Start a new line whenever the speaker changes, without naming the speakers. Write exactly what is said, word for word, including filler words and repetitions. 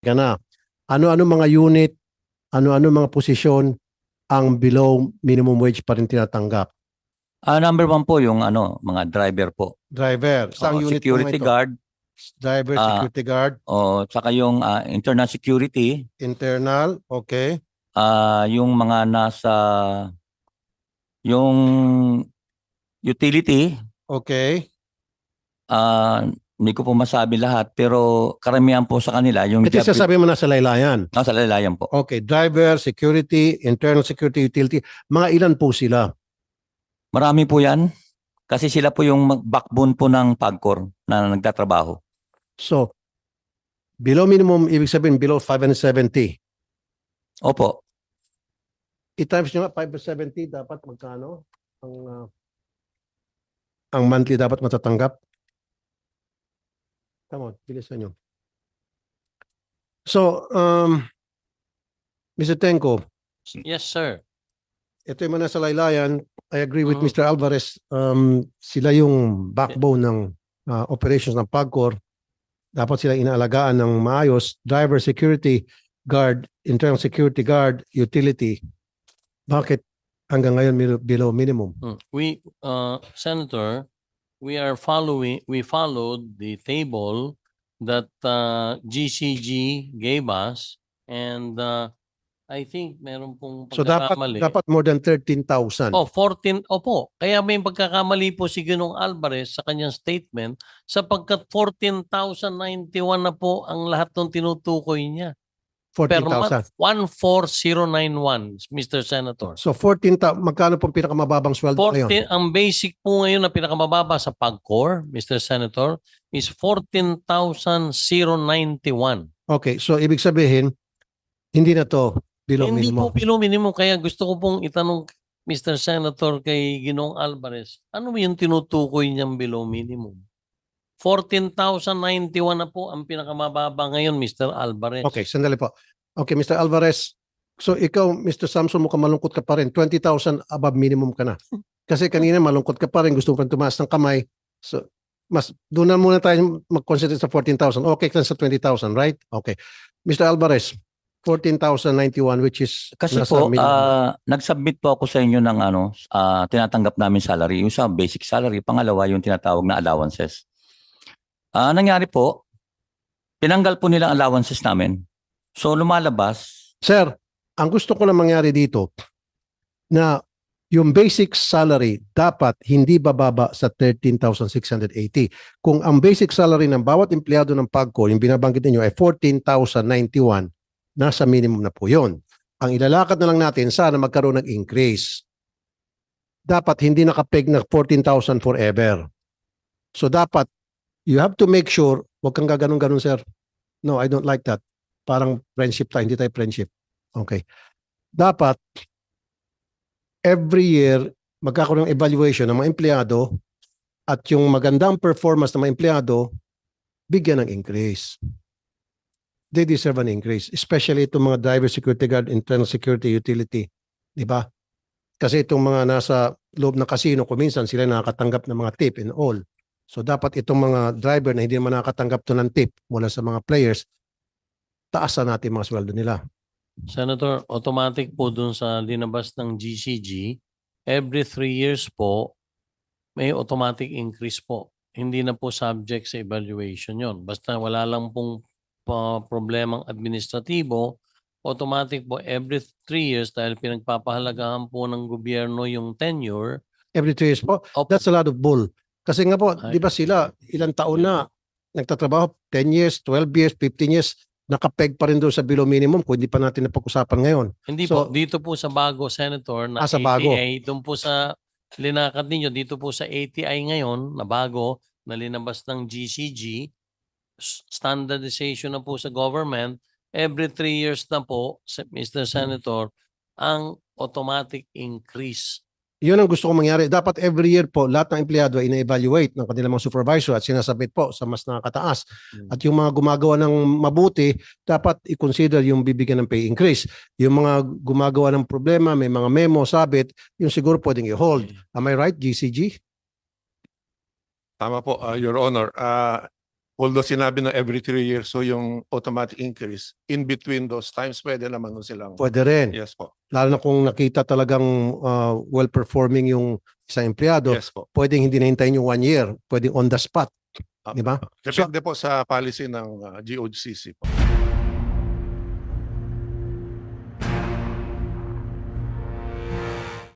ka na. Ano-ano mga unit, ano-ano mga posisyon ang below minimum wage pa rin tinatanggap?
Ah, number one po yung ano, mga driver po.
Driver, saang
Oo,
unit po mga
security
ito?
guard,
Driver,
ah,
security guard,
o saka yung ah, internal security,
internal, okay.
ah, yung mga nasa yung utility,
Okay.
ah, hindi ko po masabi lahat pero karamihan po sa kanila yung
Ito
job
sasabi mo na sa laylayan.
nasa lalayan po.
Okay, driver, security, internal security, utility. Mga ilan po sila?
Marami po yan kasi sila po yung mag- backbone po ng PAGCOR na nagtatrabaho.
So, below minimum, ibig sabihin below five hundred seventy.
Opo.
I-times nyo nga, five hundred seventy, dapat magkano? Ang, ah, ang monthly dapat matatanggap? Come on, bilisan nyo. So, um, Mister Tenko,
Yes, sir.
ito yung mga nasa laylayan. I agree with
Mhm.
Mister Alvarez. Um, sila yung backbone ng ah, operations ng PAGCOR. Dapat sila inaalagaan ng maayos. Driver, security guard, internal security guard, utility. Bakit hanggang ngayon mil- below minimum?
Mm. We, uh, Senator, we are following, we followed the table that uh, G C G gave us, and uh, I think meron pong
So dapat
pagkakamali.
dapat more than thirteen thousand.
Oh, fourteen, opo. Kaya may pagkakamali po si Ginong Alvarez sa kanyang statement sapagkat fourteen thousand ninety-one na po ang lahat ng tinutukoy niya. Per
fourteen thousand.
month, one four zero nine one, Mister Senator.
So fourteen thousand, magkano pong pinakamababang sweldo ngayon?
fourteen, ang basic po ngayon na pinakamababa sa PAGCOR, Mister Senator, is fourteen thousand ninety-one.
Okay, so ibig sabihin, hindi na to below
Hindi
minimum.
po below minimum. Kaya gusto ko pong itanong, Mister Senator, kay Ginong Alvarez, ano yung tinutukoy niyang below minimum? fourteen thousand ninety-one na po ang pinakamababa ngayon, Mister Alvarez.
Okay, sandali po. Okay, Mister Alvarez, so ikaw, Mister Samson, mukhang malungkot ka pa rin. twenty thousand above minimum ka na. Kasi kanina malungkot ka pa rin, gusto mo pa tumaas ng kamay. So, mas doon na muna tayo mag-concentrate sa fourteen thousand. Okay ka sa twenty thousand, right? Okay. Mister Alvarez, fourteen thousand ninety-one, which is
Kasi
nasa
po,
minimum.
ah, nag-submit po ako sa inyo ng ano, ah, tinatanggap namin salary. Yung sa basic salary, pangalawa yung tinatawag na allowances. Ah, nangyari po, tinanggal po nila ang allowances namin. So lumalabas,
Sir, ang gusto ko lang mangyari dito na yung basic salary dapat hindi bababa sa thirteen thousand six hundred eighty. Kung ang basic salary ng bawat empleyado ng PAGCOR, yung binabanggit ninyo ay fourteen thousand ninety-one, nasa minimum na po yun. Ang ilalakad na lang natin, sana magkaroon ng increase. Dapat hindi nakapeg na fourteen thousand forever. So dapat, you have to make sure, wag kang gaganong-ganon, sir. No, I don't like that. Parang friendship tayo, hindi tayo friendship. Okay. Dapat, every year, magkakaroon ng evaluation ng mga empleyado at yung magandang performance ng mga empleyado, bigyan ng increase. They deserve an increase. Especially itong mga driver, security guard, internal security, utility. Di ba? Kasi itong mga nasa loob ng casino, kuminsan sila nakakatanggap ng mga tip and all. So dapat itong mga driver na hindi naman nakakatanggap to ng tip mula sa mga players, taasan natin mga sweldo nila.
Senator, automatic po dun sa linabas ng G C G, every three years po, may automatic increase po. Hindi na po subject sa evaluation yon. Basta wala lang pong pa problemang administratibo, automatic po every three years dahil pinagpapahalagahan po ng gobyerno yung tenure.
Every two years po.
Opo.
That's a lot of bull. Kasi nga po,
Ay.
di ba sila, ilang taon na nagtatrabaho, ten years, twelve years, fifteen years, nakapeg pa rin doon sa below minimum kung hindi pa natin napag-usapan ngayon.
Hindi
So-
po, dito po sa bago, Senator, na
Ah, sa bago.
A T I, doon po sa linakad ninyo, dito po sa A T I ngayon, na bago, na linabas ng G C G, s- standardization na po sa government, every three years na po, se- Mister Senator, ang automatic increase.
Yun ang gusto ko mangyari. Dapat every year po, lahat ng empleyado ay ina-evaluate ng kanilang mga supervisor at sinasabit po sa mas nakakataas. At yung mga gumagawa ng mabuti, dapat i-consider yung bibigyan ng pay increase. Yung mga gumagawa ng problema, may mga memo, sabit, yung siguro pwedeng i-hold. Am I right, G C G?
Tama po, uh, Your Honor. Uh, although sinabi na every three years, so yung automatic increase, in between those times, pwede naman nun silang.
Pwede rin.
Yes po.
Lalo na kung nakita talagang uh, well-performing yung isang empleyado,
Yes po.
pwedeng hindi nahintayin yung one year, pwedeng on the spot.
Ah,
Di ba?
Depende po sa policy ng uh, G O C C po.